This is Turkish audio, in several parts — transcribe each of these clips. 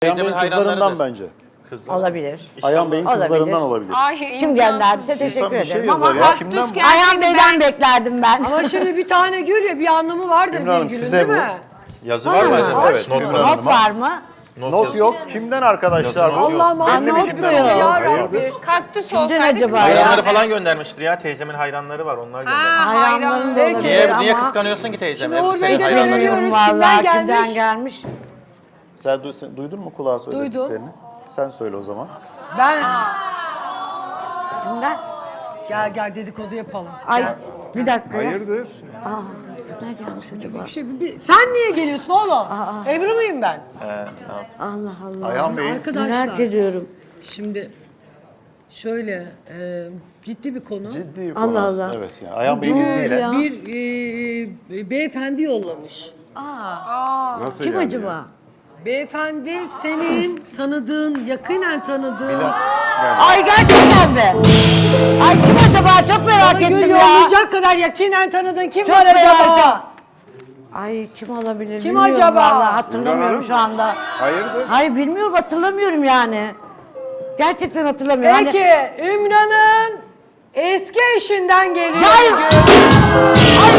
Ayhan Bey'in kızlarından hayranlarıdır. bence. Kızlar. Olabilir. Ayhan Bey'in kızlarından olabilir. Ay, Kim gönderdiyse teşekkür bir şey ederim yazar ama ya. Kimden? Ayhan Bey'den beklerdim ben. Ama şimdi bir tane gül ya bir anlamı vardır Ümran Hanım, virgülün size değil bu. mi? Yazı var mı acaba? Evet, Not Ümran var. Hanım. Not var mı? Not yazı. yok. Kimden arkadaşlar? Yazın yok. Allah'ım Ben not affetsin diyor. ya Rabbi. Kaktüs Kimden olsaydı acaba ya? Hayranları falan göndermiştir ya. Teyzemin hayranları var. Onlar göndermiş. Hayranlarım da Peki. olabilir Niye ama. kıskanıyorsun ki teyzemi? Şimdi Uğur Senin Bey'den hayranların yok. öğreniyoruz. Vallahi Kimden kimden gelmiş? gelmiş? Sen duydun mu kulağa söylediklerini? Sen söyle o zaman. Ben Kimden? gel dedikodu yapalım. Ay bir dakika ya. Hayırdır? Kimden gelmiş acaba? Sen niye geliyorsun oğlum? Ebru muyum ben? Allah Allah. Ayhan Bey'in Arkadaşlar Merak ediyorum. şimdi şöyle ciddi bir konu. ciddi bir Allah konu Allah. aslında. Evet. Yani Ayhan Bey'in izniyle. ya? Bir beyefendi yollamış. Nasıl Kim acaba? Beyefendi senin tanıdığın, yakinen tanıdığın Ay gerçekten mi? Ay kim acaba? Çok merak bana gül ettim ya. yollayacak kadar yakinen tanıdığın kim Çok var merak acaba? ettim. Ay kim olabilir? Kim bilmiyorum acaba? Vallahi hatırlamıyorum şu anda. Hayırdır? Hayır bilmiyorum hatırlamıyorum yani. Gerçekten hatırlamıyorum. Peki Ümran'ın eski eşinden geliyor. Hayır. Gül.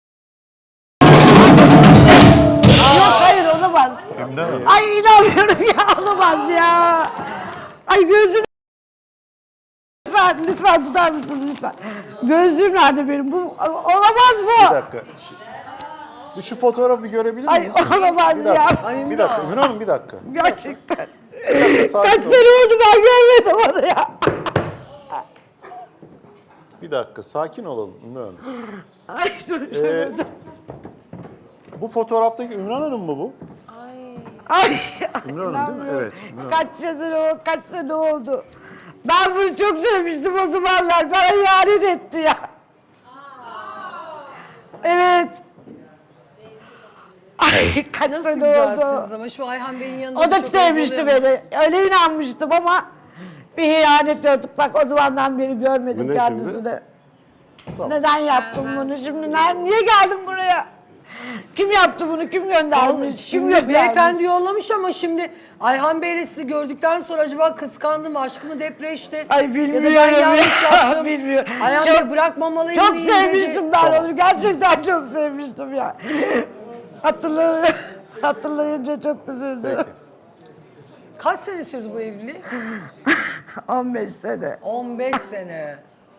Yok hayır olamaz. Ay inanmıyorum ya olamaz ya. Ay gözüm. Lütfen tutar mısın lütfen? Gözlüğüm nerede benim? Bu olamaz Bir bu. dakika. Şu fotoğrafı bir görebilir Ay miyiz? olamaz Bir dakika. ya. Bir dakika. Ümran Hanım bir dakika. Gerçekten. Sakin Kaç ol. sene oldu ben görmedim onu ya. Bir dakika. Sakin olalım Ümran Hanım. Ay dur şöyle. Bu fotoğraftaki Ümran Hanım mı bu? Ay. Ümran Hanım değil mi? Evet. Ümran Hanım. Kaç sene oldu. Ben bunu çok sevmiştim o zamanlar. Bana ihanet etti ya. Evet. Ay kaç Nasıl sene güzelsiniz oldu. ama şu Ayhan Bey'in yanında O da çok sevmişti oluyor. beni. Öyle inanmıştım ama bir ihanet gördük. Bak o zamandan beri görmedim kendisini. Neden yaptım bunu şimdi? Niye geldim buraya? Kim yaptı bunu? Kim göndermiş? Kim Şimdi göndermiş? beyefendi yollamış ama şimdi Ayhan Bey'le sizi gördükten sonra acaba kıskandı mı, aşkı mı depreşti? Ay Ya da bilmiyorum ben yanlış yaptım. Bilmiyorum. Ayhan Çok- Bey bırakmamalıyım Çok mıyım sevmiştim dedi. ben onu. Gerçekten çok sevmiştim ya. Hatırlayınca çok üzüldüm. Kaç sene sürdü bu evlilik? 15 sene. 15 sene.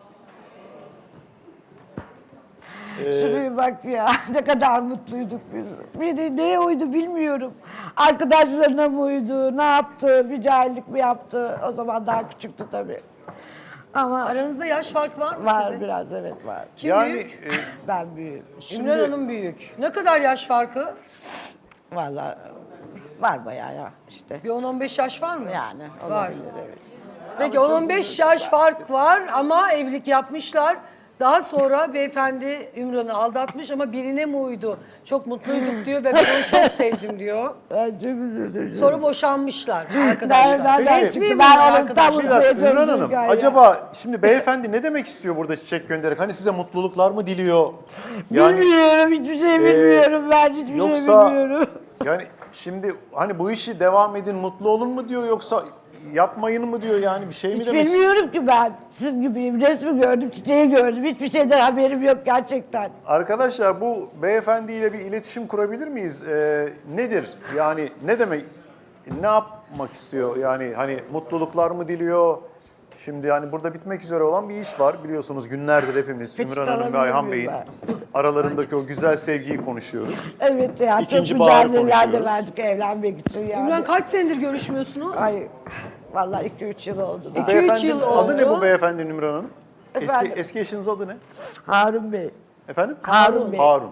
Şuraya bak ya. Ne kadar mutluyduk biz. Biri neye uydu bilmiyorum. Arkadaşlarına mı uydu? Ne yaptı? Bir cahillik mi yaptı? O zaman daha küçüktü tabii. Ama Aranızda yaş farkı var mı var sizin? biraz evet var. Kim Yani büyük? Ben büyüğüm. Ümran Hanım büyük. Ne kadar yaş farkı? Vallahi var bayağı ya işte. Bir 10-15 yaş var mı? Yani Var. olabilir evet. Peki 10-15 yaş fark var ama evlilik yapmışlar. Daha sonra beyefendi Ümran'ı aldatmış ama birine mi uydu? Çok mutluyduk diyor ve ben onu çok sevdim diyor. Ben çok üzüldüm. Sonra boşanmışlar arkadaşlar. Nereden Resmi çıktı? mi Ben bu onu arkadaşlar? tam bir unutmaya dakika Ümran çalışıyorum Hanım. ya. Acaba şimdi beyefendi ne demek istiyor burada çiçek göndererek? Hani size mutluluklar mı diliyor? Yani Bilmiyorum, hiçbir şey bilmiyorum ben, hiçbir yoksa şey bilmiyorum. yani şimdi hani bu işi devam edin, mutlu olun mu diyor yoksa yapmayın mı diyor yani bir şey mi Hiç demek istiyor? bilmiyorum ki ben. Siz gibiyim, resmi gördüm, çiçeği gördüm. Hiçbir şeyden haberim yok gerçekten. Arkadaşlar bu beyefendiyle bir iletişim kurabilir miyiz? Nedir? Yani ne demek? Ne yapmak istiyor? Yani hani mutluluklar mı diliyor? Şimdi yani burada bitmek üzere olan bir iş var. Biliyorsunuz günlerdir hepimiz Peçete Ümran Hanım ve alabilir Ayhan miyim Bey'in aralarındaki o güzel sevgiyi konuşuyoruz. Evet ya, İkinci çok baharı mücadeleler de konuşuyoruz. verdik evlenmek için yani. Ümran kaç senedir görüşmüyorsunuz? Ay, vallahi 2-3 yıl oldu. Bu daha. 2-3 beyefendinin yıl adı ne oldu. bu beyefendinin Ümran Hanım? Efendim? Eski eşiniz adı ne? Harun Bey. Efendim? Harun Bey. Harun.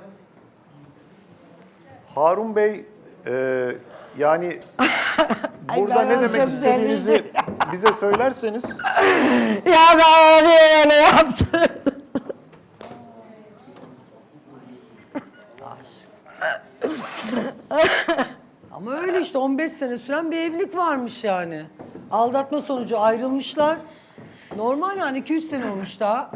Harun Bey yani burada ben ne onu demek çok istediğinizi sevmiştim. bize söylerseniz. Ya ben öyle yaptım. Ama öyle işte 15 sene süren bir evlilik varmış yani. Aldatma sonucu ayrılmışlar. Normal yani 2-3 sene olmuş daha.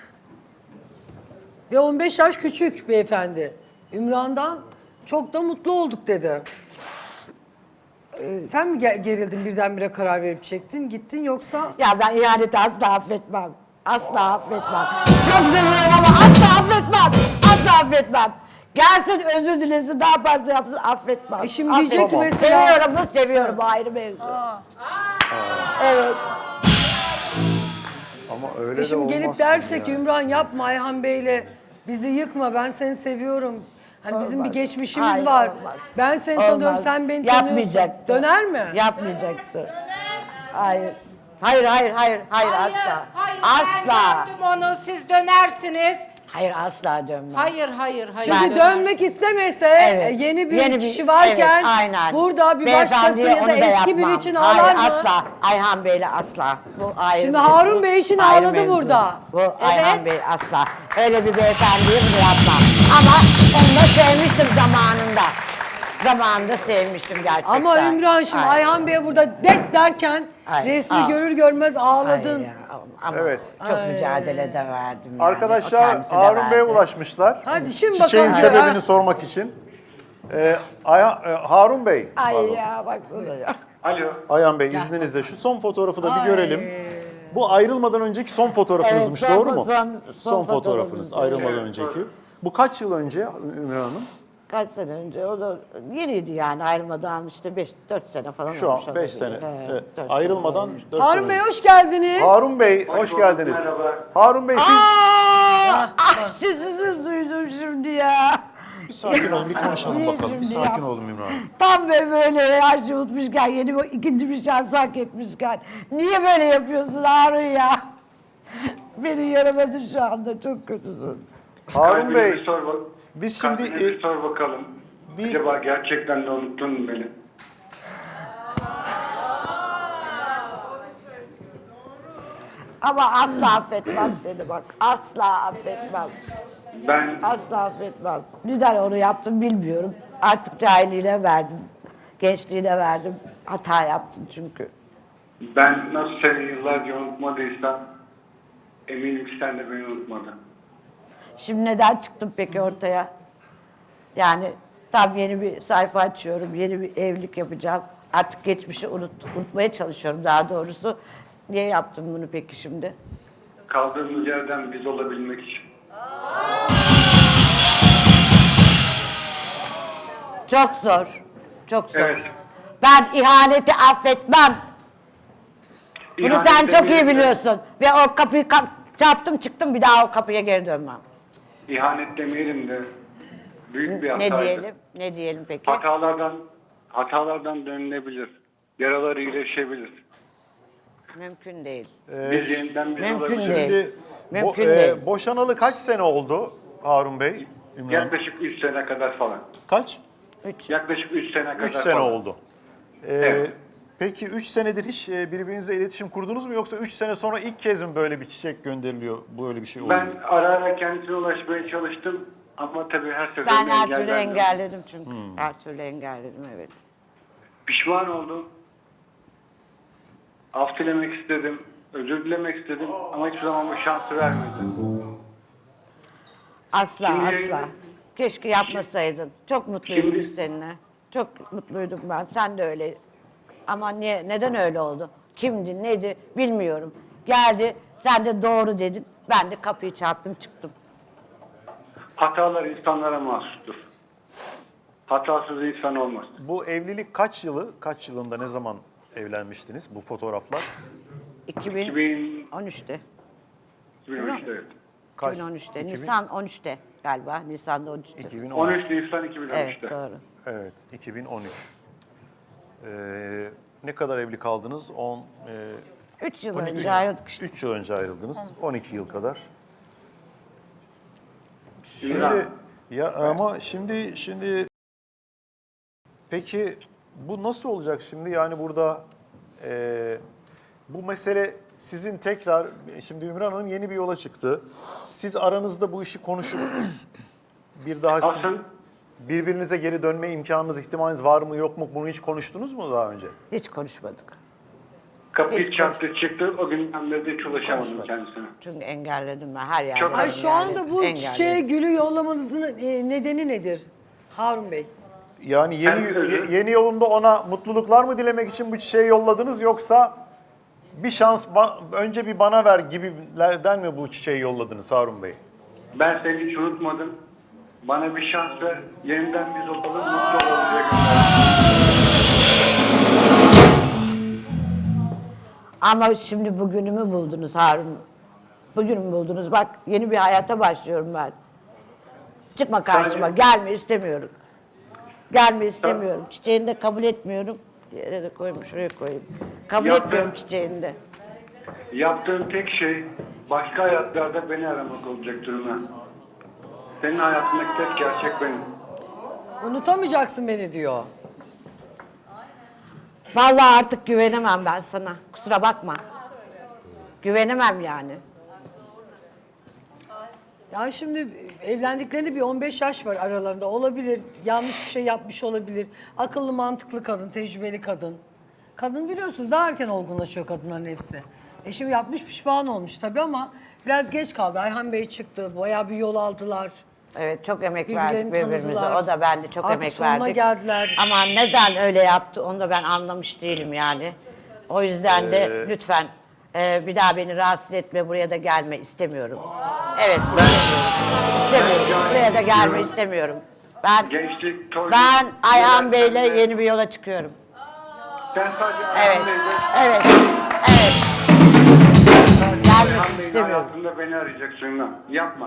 Ve 15 yaş küçük beyefendi. Ümran'dan çok da mutlu olduk dedi. Sen mi gerildin birdenbire karar verip çektin gittin yoksa? Ya ben ihaneti asla affetmem. Asla affetmem. Çok seviyorum ama asla affetmem. Asla affetmem. Gelsin özür dilesin ne yaparsa yapsın affetmem. Şimdi diyecek ki Affetmem. mesela- Seviyorum mu seviyorum ayrı mevzu. Evet. Ama öyle de Şimdi olmaz. gelip dersek Ümran yapma Ayhan Bey'le bizi yıkma ben seni seviyorum. Hani bizim bir Olmaz. geçmişimiz Hayır, var. olmaz. Ben seni tanıyorum Olmaz. sen beni tanıyorsun. Yapmayacaktı. Döner mi? Yapmayacaktı. Hayır. Hayır asla. Hayır, Asla. ben gördüm onu, siz dönersiniz. Hayır asla dönmem. Hayır. Çünkü Ben- dönmek istemese Evet. yeni bir kişi varken evet, aynen. burada bir başkası Beyefendiye ya da onu eski biri yapmam. için Hayır, ağlar mı? asla. Ayhan Bey'le asla. Bu ayrı Şimdi mevzu. Harun Bey için Ayrı ağladı mevzu. burada. Bu Ayhan Bey asla. Öyle bir beyefendiye bunu yapmam. Ama onu da sevmiştim zamanında. Zamanında sevmiştim gerçekten. Ama Ümran şimdi Aynen. Ayhan Bey'e burada det derken Hayır, resmi aa. görür görmez ağladın. Hayır ya, ama Evet. çok mücadele de verdim yani. O Arkadaşlar kendisi de Harun Bey'e verdi. ulaşmışlar. Hadi şimdi Çiçeğin bakalım. sebebini Ha. sormak için. Harun Bey, Ay pardon. ya baksana ya. Alo. Ayhan Bey izninizle şu son fotoğrafı da bir görelim. Bu ayrılmadan önceki son fotoğrafınızmış, Evet, son doğru mu? son fotoğrafınız fotoğrafımız. ayrılmadan önceki. Bu kaç yıl önce Ümran Hanım? Kaç sene önce? O da yeniydi yani ayrılmadan işte 4 sene falan Şu olmuş an 5 olabilir. sene. Evet, Evet, 4 sene ayrılmadan olmuş. 4 Harun sene. Bey hoş geldiniz. Harun Bey hoş bulduk, geldiniz. merhaba. Harun Bey siz... Sizi duydum şimdi ya. Bir sakin olun, bir konuşalım Niye bakalım. Bir şimdi sakin ya? olun Ümran Hanım. Tam böyle her şeyi unutmuşken yeni bir ikinci bir şans hak etmişken. Niye böyle yapıyorsun Harun ya? Beni yaramadın şu anda çok kötüsün. Harun Kalbine Bey, bir sor bak. biz şimdi... Kalbine bir sor bakalım. bir- Acaba gerçekten de unuttun mu beni? Ama asla affetmem seni bak. Asla affetmem. Ben Asla affetmem. Neden onu yaptım bilmiyorum. Artık cahilliğine verdim. Gençliğine verdim. Hata yaptım çünkü. nasıl seni yıllarca unutmadıysam eminim ki sen de beni unutmadın. Şimdi neden çıktım peki ortaya? Yani tam yeni bir sayfa açıyorum. Yeni bir evlilik yapacağım. Artık geçmişi unutmaya çalışıyorum daha doğrusu. Niye yaptım bunu peki şimdi? Kaldığımız yerden biz olabilmek için. Çok zor. Çok zor. Evet. Ben ihaneti affetmem. Bunu İhanet sen çok iyi demeyelim de- biliyorsun. Ve o kapıyı çarptım çıktım bir daha o kapıya geri dönmem. İhanet demeyelim de büyük bir hataydı. Ne diyelim? Ne diyelim peki? Hatalardan dönülebilir. Yaralar iyileşebilir. Mümkün değil. Biz yeniden biz Mümkün olabiliriz. değil. Şimdi Mümkün değil. boşanalı kaç sene oldu Harun Bey? Ümran Hanım? Yaklaşık 3 sene kadar falan. Kaç? Yaklaşık 3 sene kadar 3 sene falan. oldu. Evet. Peki 3 senedir hiç birbirinizle iletişim kurdunuz mu yoksa 3 sene sonra ilk kez mi böyle bir çiçek gönderiliyor, böyle bir şey oluyor? Ben ara ara kendisine ulaşmaya çalıştım ama tabii her seferinde Ben her türlü engellendim. engelledim çünkü. Her türlü engelledim evet. Pişman oldum. Af dilemek istedim. Özür dilemek istedim ama hiçbir zaman bu şansı vermedi. Asla Şimdi- asla. Keşke yapmasaydın. Çok mutluydum Şimdi- biz seninle. Çok mutluydum ben. Sen de öyle. Ama neden öyle oldu? Kimdi, neydi bilmiyorum. Geldi, sen de doğru dedin. Ben de kapıyı çarptım çıktım. Hatalar insanlara mahsustur. Hatasız insan olmaz. Bu evlilik kaç yılında, ne zaman evlenmiştiniz bu fotoğraflar? 2013'te. 2013'te evet. Kaç? 2013'te. 2000? Nisan 13'te galiba. Nisan'da 13'te. 2013. 13 Nisan 2013'te. Evet doğru. Evet, 2013. Ne kadar evli kaldınız? 3 yıl 12 önce ayrıldık işte. 3 yıl önce ayrıldınız. 12 yıl kadar. İmran. Şimdi ya ama şimdi peki bu nasıl olacak şimdi? Yani burada bu mesele sizin tekrar, şimdi Ümran Hanım yeni bir yola çıktı. Siz aranızda bu işi konuşup bir daha Aslında birbirinize geri dönme imkanınız, ihtimaliniz var mı yok mu? Bunu hiç konuştunuz mu daha önce? Hiç konuşmadık. kapıyı Hiç çarptı çıktı. O günden beri de hiç ulaşamadım kendisine. Çünkü engelledim ben her yerde. Çok- Ay şu anda bu engelledim. çiçeğe gülü yollamanızın nedeni nedir Harun Bey? Yani Ben- yeni yolunda ona mutluluklar mı dilemek için bu çiçeği yolladınız, yoksa bir şans önce bir bana ver gibilerden mi bu çiçeği yolladınız Harun Bey? Ben seni hiç unutmadım. Bana bir şans ver. Yeniden biz olalım, mutlu olalım diye gönderdim. Ama şimdi bugünümü buldunuz Harun. Bugünümü buldunuz. Bak yeni bir hayata başlıyorum ben. Çıkma karşıma. Gelme istemiyorum. Gelme istemiyorum. Çiçeğini de kabul etmiyorum. Yere de koyayım, şuraya koyayım. Kabul Yaptım. etmiyorum çiçeğini de. Yaptığın tek şey başka hayatlarda beni aramak olacak durumda. Senin hayatındaki tek gerçek benim. Unutamayacaksın beni diyor. Vallahi artık güvenemem ben sana. Kusura bakma. Güvenemem yani. Ya şimdi evlendiklerinde bir 15 yaş var aralarında. Olabilir, yanlış bir şey yapmış olabilir. Akıllı, mantıklı kadın, tecrübeli kadın. Kadın biliyorsunuz daha erken olgunlaşıyor kadınların hepsi. Şimdi yapmış pişman olmuş tabii ama biraz geç kaldı. Ayhan Bey çıktı, bayağı bir yol aldılar. Evet, çok emek Birbirlerini verdik birbirimize. tanıdılar. O da ben de çok Artık emek sonuna verdik. geldiler. Ama neden öyle yaptı onu da ben anlamış değilim yani. O yüzden de lütfen bir daha beni rahatsız etme, buraya da gelme istemiyorum. Evet, istemiyorum. Buraya da gelme istemiyorum. Gençlik, toyluk... Ben Ayhan Bey'le gelenlerle- yeni bir yola çıkıyorum. Sen sadece Evet, Ayhan Bey'le... evet, evet. Sadece Gelmek Ayhan Bey'in istemiyorum. hayatında beni arayacaksın lan. Yapma.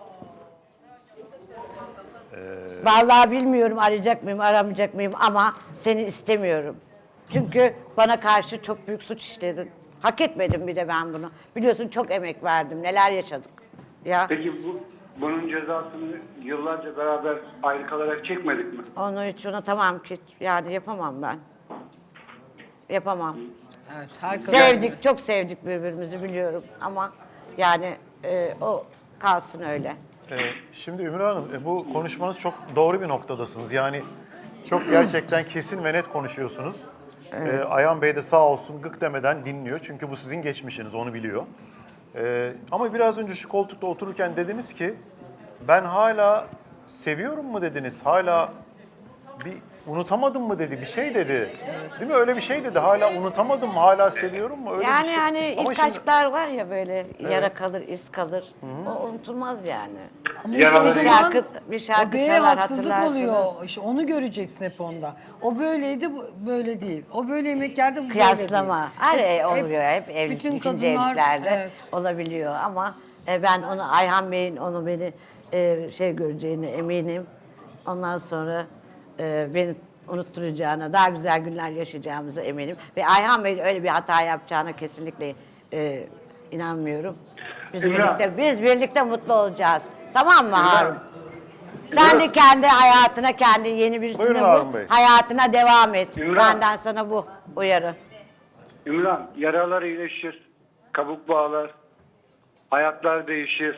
Vallahi bilmiyorum arayacak mıyım, aramayacak mıyım ama seni istemiyorum. Çünkü bana karşı çok büyük suç işledin. Hak etmedim bir de ben bunu. Biliyorsun çok emek verdim, neler yaşadık. Ya Peki bunun cezasını yıllarca beraber ayrı kalarak çekmedik mi? onu hiç unutamam ki. Yani yapamam ben. Yapamam. Evet, her kadın. Sevdik, çok sevdik birbirimizi biliyorum ama yani o kalsın öyle. Şimdi Ümran Hanım, bu konuşmanız çok doğru bir noktadasınız. Yani çok gerçekten kesin ve net konuşuyorsunuz. Ayhan Bey de sağ olsun gık demeden dinliyor. Çünkü bu sizin geçmişiniz, onu biliyor. Ama biraz önce şu koltukta otururken dediniz ki, ben hala seviyorum mu dediniz, hala bir unutamadım mı dedi, bir şey dedi. Değil mi? Öyle bir şey dedi. Hala unutamadım mı, hala seviyorum mu? Öyle Yani bir şey. hani Ama ilk şimdi- aşklar var ya böyle yara kalır, iz kalır. O unutulmaz yani. Ama Yaralı işte o değil. zaman Bir şarkı o beye çalar, haksızlık hatırlarsınız. oluyor. İşte onu göreceksin hep onda. O böyleydi, bu böyle değil. O böyle yemek yerdi, bu böyle Kıyaslama. değil. Her oluyor, hep evlilik, bütün ikinci kadınlar, evliliklerde evet. olabiliyor ama ben onu Ayhan Bey'in onu beni şey göreceğine eminim. Ondan sonra beni unutturacağına, daha güzel günler yaşayacağımıza eminim. Ve Ayhan Bey'in öyle bir hata yapacağına kesinlikle inanmıyorum. İmran. Biz birlikte mutlu olacağız. Tamam mı İmran. Harun? Sen de kendi hayatına, kendi yeni birisini Buyurun bul, Harun Bey. hayatına devam et. İmran. Benden sana bu uyarı. Ümran, yaralar iyileşir, kabuk bağlar, hayatlar değişir.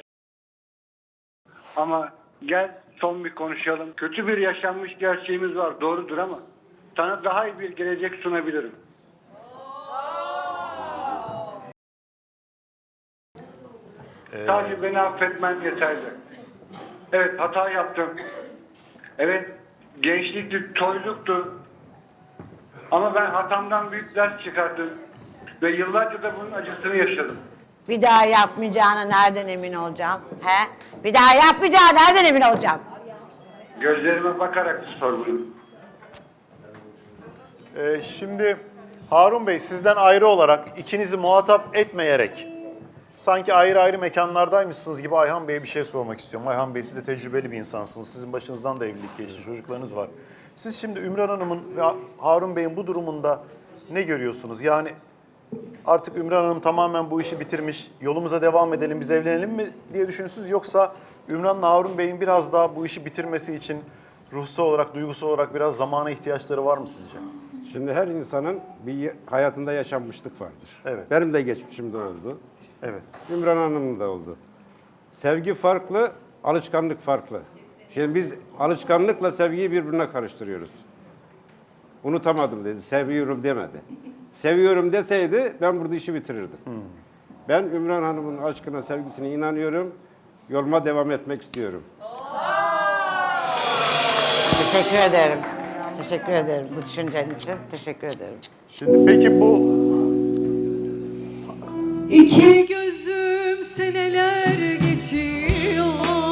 Ama gel son bir konuşalım. Kötü bir yaşanmış gerçeğimiz var, doğrudur ama sana daha iyi bir gelecek sunabilirim. Sadece beni affetmen yeterli. Evet, hata yaptım. Evet, gençlikti, toyluktu. Ama ben hatamdan büyük ders çıkarttım. Ve yıllarca da bunun acısını yaşadım. Bir daha yapmayacağına nereden emin olacağım? He? Bir daha yapmayacağına nereden emin olacağım? Gözlerime bakarak sor bunu. Şimdi Harun Bey, sizden ayrı olarak, ikinizi muhatap etmeyerek, sanki ayrı ayrı mekanlardaymışsınız gibi Ayhan Bey'e bir şey sormak istiyorum. Ayhan Bey, siz de tecrübeli bir insansınız. Sizin başınızdan da evlilik geçti, çocuklarınız var. Siz şimdi Ümran Hanım'ın ve Harun Bey'in bu durumunda ne görüyorsunuz? Yani artık Ümran Hanım tamamen bu işi bitirmiş, yolumuza devam edelim, biz evlenelim mi diye düşünüyorsunuz? Yoksa Ümran'la Harun Bey'in biraz daha bu işi bitirmesi için ruhsal olarak, duygusal olarak biraz zamana ihtiyaçları var mı sizce? Şimdi her insanın bir hayatında yaşanmışlık vardır. Evet. Benim de geçmişimde oldu. Evet. Ümran Hanım'ın da oldu. Sevgi farklı, alışkanlık farklı. Şimdi biz alışkanlıkla sevgiyi birbirine karıştırıyoruz. Unutamadım dedi, seviyorum demedi. Seviyorum deseydi ben burada işi bitirirdim. Ben Ümran Hanım'ın aşkına, sevgisine inanıyorum. Yoluma devam etmek istiyorum. Teşekkür ederim. Teşekkür ederim bu düşüncen için. Teşekkür ederim. Şimdi peki bu İki gözüm seneler geçiyor,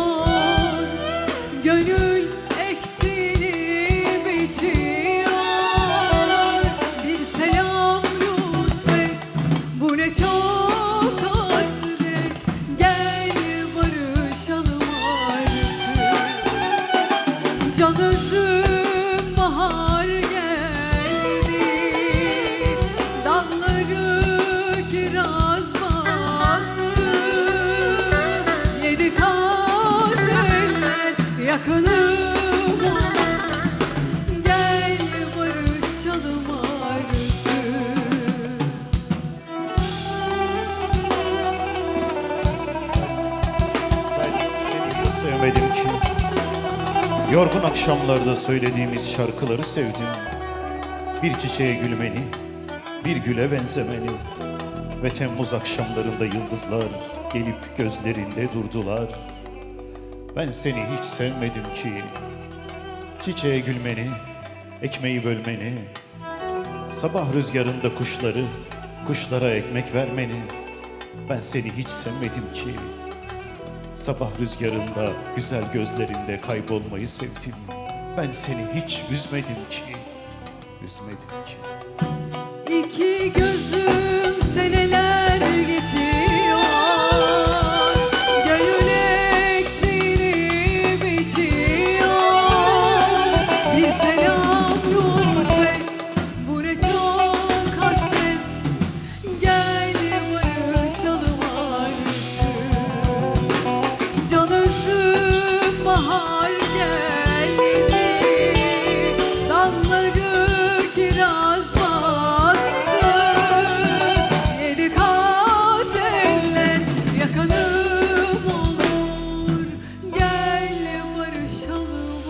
gönül ektiğini biçiyor. Bir selam lütfet, bu ne çok hasret. Gel barışalım artık. Can özüm bahar geldi, dalları kiraz bastı. Yedi kat eller yakınım olur. Gel barışalım artık. Ben seni hiç sevmedim ki. Yorgun akşamlarda söylediğimiz şarkıları sevdim. Bir çiçeğe gülmeni, bir güle benzemeni. Ve Temmuz akşamlarında yıldızlar gelip gözlerinde durdular. Ben seni hiç sevmedim ki. Çiçeğe gülmeni, ekmeği bölmeni. Sabah rüzgarında kuşları, kuşlara ekmek vermeni. Ben seni hiç sevmedim ki. Sabah rüzgarında, güzel gözlerinde kaybolmayı sevdim. Ben seni hiç üzmedim ki, üzmedim ki. İki gözüm seneler geçiyor, gönül ektiğini biçiyor. Bir selam lütfet, bu ne çok hasret. Gel barışalım artık. Can özüm bahar geldi, dalları kiraz bastı. Yedi kat eller yakınım olur. Gel barışalım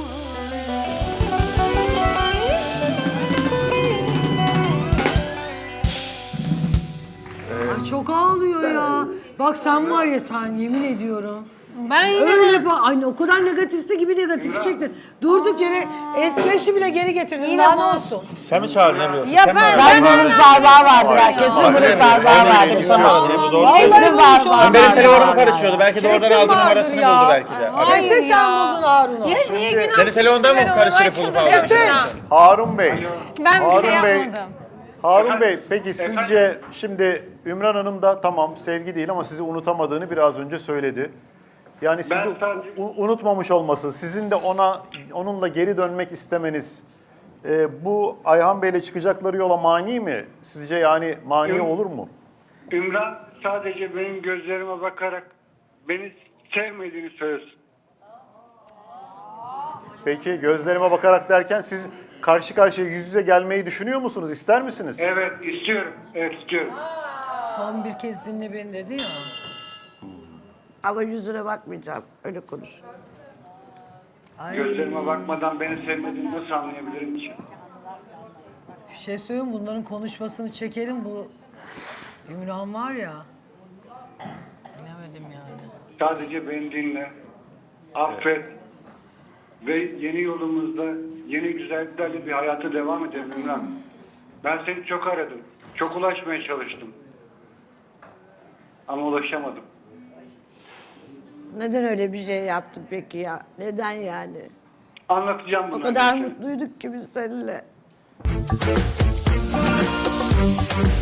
Ay çok ağlıyor ya. Bak sen var ya sen yemin ediyorum. Ben yine Öyle bak. Ay o kadar negatifse gibi negatifi çektin. Durduk yere eski eşi bile geri getirdin. Daha ne olsun? Sen mi çağırdın Ebru? Ya Sen mi ben- aradın? Ben bunun parmağı vardır ha. Kesin bunun parmağı vardır. Sen mi aradın Ebru? Doğru Vallahi söylüyorsun. bulmuş olabilir. Benim telefonumu karışıyordu. Belki de oradan Kesin aldı vardır numarasını ya. buldu belki de. Hayır Kesin sen ya. buldun Harun'u. Niye günah? Senin telefondan mı Ben karıştırıp onu bulup açıldım. aldın? Kesin. Harun Bey, Ben bir şey Harun Bey, yapmadım. Harun Bey peki sizce şimdi Ümran Hanım da tamam sevgi değil ama sizi unutamadığını biraz önce söyledi. Yani sizi sadece- unutmamış olması, sizin de onunla geri dönmek istemeniz bu Ayhan Bey'le çıkacakları yola mani mi? Sizce yani mani Yok. olur mu? Ümran sadece benim gözlerime bakarak beni sevmediğini söylesin. Peki gözlerime bakarak derken siz karşı karşıya yüz yüze gelmeyi düşünüyor musunuz? İster misiniz? Evet istiyorum. Evet istiyorum. Son bir kez dinle beni dedi ya. Ama yüzüne bakmayacağım. Öyle konuş. Ay Gözlerime bakmadan beni sevmediğini nasıl anlayabilirim ki? bir şey söyleyeyim bunların konuşmasını çekelim bu Ümran var ya. Bilemedim yani. Sadece beni dinle. Affet. Ve yeni yolumuzda yeni güzelliklerle bir hayata devam edelim Ümran. Ben seni çok aradım. Çok ulaşmaya çalıştım. Ama ulaşamadım. Neden öyle bir şey yaptın peki ya? Neden yani? Anlatacağım O bunu. kadar mutluyduk ki biz seninle.